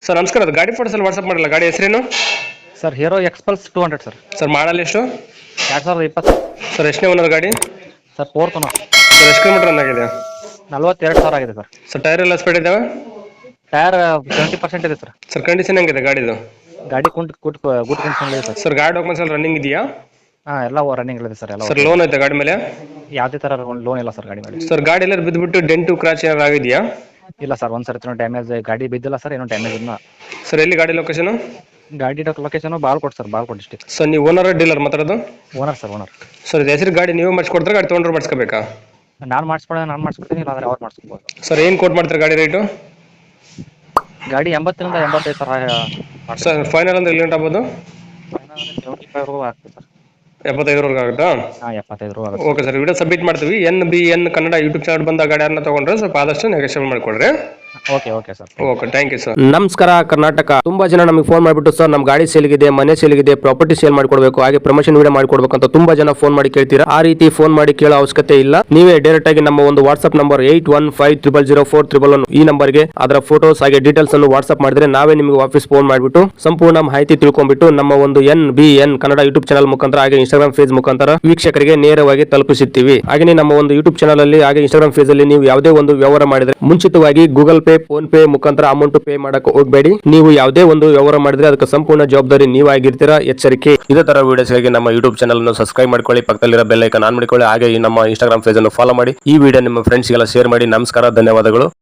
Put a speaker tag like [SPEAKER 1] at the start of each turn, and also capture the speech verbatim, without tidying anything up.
[SPEAKER 1] Sir ನಮಸ್ಕಾರ, ಅದು ಗಾಡಿ ಫೋಟೋಸ್ ಅಲ್ಲಿ ವಾಟ್ಸಪ್ ಮಾಡಲ್ಲ. ಗಾಡಿ ಹೆಸರೇನು?
[SPEAKER 2] Sir hero Xpulse two hundred sir.
[SPEAKER 1] Sir model ಎಷ್ಟು?
[SPEAKER 2] ಎರಡು ಸಾವಿರದ ಇಪ್ಪತ್ತು
[SPEAKER 1] ಸರ್ ಎಷ್ಟನೇ ಓನರ್ ಗಾಡಿ?
[SPEAKER 2] Sir fourth owner.
[SPEAKER 1] ಸರ್ ಎಷ್ಟು ಕಿಲೋಮೀಟರ್ ರನ್ ಆಗಿದೆ?
[SPEAKER 2] ನಲ್ವತ್ತೆರಡು ಸಾವಿರ ಆಗಿದೆ ಸರ್.
[SPEAKER 1] ಸರ್ ಟೈರ್ ಎಲ್ಲ ಸ್ಪೀಡ್ ಇದಾವೆ?
[SPEAKER 2] ಟೈರ್ ಸೆವೆಂಟಿ ಪರ್ಸೆಂಟ್ ಇದೆ ಸರ್.
[SPEAKER 1] ಸರ್ ಕಂಡೀಷನ್ ಹೆಂಗಿದೆ ಗಾಡಿದು?
[SPEAKER 2] ಗಾಡಿ ಕುಂಟ್ ಗುಡ್ ಗುಡ್ ಕಂಡೀಷನ್ ಇದೆ ಸರ್.
[SPEAKER 1] ಸರ್ ಗಾಡಿ ಡಾಕ್ಯುಮೆಂಟ್ಸ್ ಎಲ್ಲ ರನ್ನಿಂಗ್ ಇದೆಯಾ?
[SPEAKER 2] ಹಾಂ ಎಲ್ಲ ರನ್ನಿಂಗ್ ಇದೆ ಸರ್. ಎಲ್ಲ
[SPEAKER 1] ಸರ್ ಲೋನ್ ಐತೆ ಗಾಡಿ ಮೇಲೆ?
[SPEAKER 2] ಯಾವುದೇ ಥರ ಲೋನ್ ಇಲ್ಲ ಸರ್ ಗಾಡಿ ಮೇಲೆ.
[SPEAKER 1] ಸರ್ ಗಾಡಿ ಎಲ್ಲ ಬಿದ್ದುಬಿಟ್ಟು ಡೆಂಟು ಕ್ರಾಚ್ ಏನಾರು ಆಗಿದೆಯಾ?
[SPEAKER 2] ಇಲ್ಲ ಸರ್, ಒಂದು ಸರಿ ಡ್ಯಾಮೇಜ್ ಗಾಡಿ ಬಿದ್ದಿಲ್ಲ ಸರ್, ಏನೋ ಡ್ಯಾಮೇಜ್ ಇಲ್ಲ.
[SPEAKER 1] ಸರ್ ಎಲ್ಲಿ ಗಾಡಿ ಲೊಕೇಶನ್?
[SPEAKER 2] ಗಾಡಿ location Balkot sir, Balkot district.
[SPEAKER 1] Sir ನೀವು ಓನರ್ ಡೀಲರ್ ಮಾತಾಡೋದು?
[SPEAKER 2] Owner sir, owner.
[SPEAKER 1] ಸರ್ ಇದು ಹೆಸರು ಗಾಡಿ ನೀವೇ ಮಾಡಿಸ್ಕೊಡ್ತಾರೆ, ಗಾಡಿ ತೊಗೊಂಡ್ರೆ ಮಾಡಿಸ್ಕೋಬೇಕಾ?
[SPEAKER 2] ನಾನು ಮಾಡಿಸ್ಕೊಡೋದು ನಾನು ಮಾಡಿಸ್ಕೊಡ್ತೀನಿ, ಇಲ್ಲ ಅಂದರೆ ಅವ್ರು ಮಾಡಿಸ್ಕೊಬೋದು.
[SPEAKER 1] ಸರ್ ಏನು ಕೋಟ್ ಮಾಡ್ತಾರೆ ಗಾಡಿ ರೇಟು?
[SPEAKER 2] ಗಾಡಿ ಎಂಬತ್ತರಿಂದ ಎಂಬತ್ತೈದು ಸಾವಿರ.
[SPEAKER 1] ಸರ್ ಫೈನಲ್ ಅಂದ್ರೆ ಎಲ್ಲಿ ಆಗ್ಬೋದು?
[SPEAKER 2] ಸೆವೆಂಟಿ ಫೈವ್ ರೂ ಆಗ್ತದೆ ಸರ್.
[SPEAKER 1] ಎಪ್ಪತ್ತೈದರವರೆಗೆ ಆಗುತ್ತಾ?
[SPEAKER 2] ಹಾಂ ಎಪ್ಪತ್ತೈದು ರೂ ಆಗುತ್ತೆ.
[SPEAKER 1] ಓಕೆ ಸರ್, ವಿಡಿಯೋ ಸಬ್ಮಿಟ್ ಮಾಡ್ತೀವಿ. N B N Kannada YouTube channel ಬಂದ ಗಾಡಿಯನ್ನು ತೊಗೊಂಡ್ರೆ ಸ್ವಲ್ಪ ಆದಷ್ಟು ನೆಗೋಷಿಯೇಟ್ ಮಾಡಿಕೊಡ್ರಿ.
[SPEAKER 2] Okay okay sir.
[SPEAKER 1] Okay, thank you sir.
[SPEAKER 3] ನಮಸ್ಕಾರ ಕರ್ನಾಟಕ. ತುಂಬಾ ಜನ ನಮಗೆ ಫೋನ್ ಮಾಡಿಬಿಟ್ಟು ಸರ್ ನಮ್ಮ ಗಾಡಿ ಸೇಲ್ಗಿದೆ, ಮನೆ ಸೇಲ್ಗಿದೆ, ಪ್ರಾಪರ್ಟಿ ಸೇಲ್ ಮಾಡ್ಕೊಡ್ಬೇಕು, ಹಾಗೆ ಪ್ರಮೋಷನ್ ವಿಡಿಯೋ ಮಾಡ್ಕೊಡ್ಬೇಕು ಅಂತ ತುಂಬಾ ಜನ ಫೋನ್ ಮಾಡಿ ಕೇಳ್ತೀರಾ. ಆ ರೀತಿ ಫೋನ್ ಮಾಡಿ ಕೇಳೋ ಅವಶ್ಯಕತೆ ಇಲ್ಲ. ನೀವೇ ಡೈರೆಕ್ಟ್ ಆಗಿ ನಮ್ಮ ಒಂದು WhatsApp number eight one five triple zero four triple one ಈ ನಂಬರ್ಗೆ ಅದರ ಫೋಟೋಸ್ ಹಾಗೆ ಡೀಟೇಲ್ಸ್ ಅನ್ನು ವಾಟ್ಸ್ಆಪ್ ಮಾಡಿದ್ರೆ ನಾವೇ ನಿಮಗೆ ವಾಪಸ್ ಫೋನ್ ಮಾಡಿಬಿಟ್ಟು ಸಂಪೂರ್ಣ ಮಾಹಿತಿ ತಿಳ್ಕೊಂಡ್ಬಿಟ್ಟು ನಮ್ಮ ಒಂದು N B N Kannada YouTube channel ಮುಖಾಂತರ ಹಾಗೆ ಇನ್ಸ್ಟಾಗ್ರಾಮ್ ಪೇಜ್ ಮುಖಾಂತರ ವೀಕ್ಷಕರಿಗೆ ನೇರವಾಗಿ ತಲುಪಿಸುತ್ತೀವಿ. ಹಾಗೆ ನಮ್ಮ ಒಂದು ಯೂಟ್ಯೂಬ್ ಚಾನಲ್ ಅಲ್ಲಿ ಹಾಗೆ ಇನ್ಸ್ಟಾಗ್ರಾಮ್ ಪೇಜ್ ಅಲ್ಲಿ ನೀವು ಯಾವುದೇ ಒಂದು ವ್ಯವಹಾರ ಮಾಡಿದ್ರೆ ಮುಂಚಿತವಾಗಿ ಗೂಗಲ್ ಪೇ, ಫೋನ್ ಪೇ ಮುಖಾಂತರ ಅಮೌಂಟ್ ಪೇ ಮಾಡಕ್ಕೆ ಹೋಗಬೇಡಿ. ನೀವು ಯಾವುದೇ ಒಂದು ವ್ಯವಹಾರ ಮಾಡಿದ್ರೆ ಅದಕ್ಕೆ ಸಂಪೂರ್ಣ ಜವಾಬ್ದಾರಿ ನೀವಾಗಿರ್ತೀರಾ, ಎಚ್ಚರಿಕೆ. ಇದೇ ತರ ವಿಡಿಯೋಸ್ಗಾಗಿ ನಮ್ಮ ಯೂಟ್ಯೂಬ್ ಚಾನಲ್ ಅನ್ನು ಸಬ್ಸ್ಕ್ರೈಬ್ ಮಾಡ್ಕೊಳ್ಳಿ, ಪಕ್ಕದಲ್ಲಿರೋ ಬೆಲ್ ಐಕಾನ್ ಆನ್ ಮಾಡಿಕೊಳ್ಳಿ, ಹಾಗೆ ನಮ್ಮ ಇನ್ಸ್ಟಾಗ್ರಾಮ್ ಪೇಜ್ ಅನ್ನು ಫಾಲೋ ಮಾಡಿ. ಈ ವಿಡಿಯೋ ನಿಮ್ಮ ಫ್ರೆಂಡ್ಸ್ಗೆಲ್ಲ ಶೇರ್ ಮಾಡಿ. ನಮಸ್ಕಾರ, ಧನ್ಯವಾದಗಳು.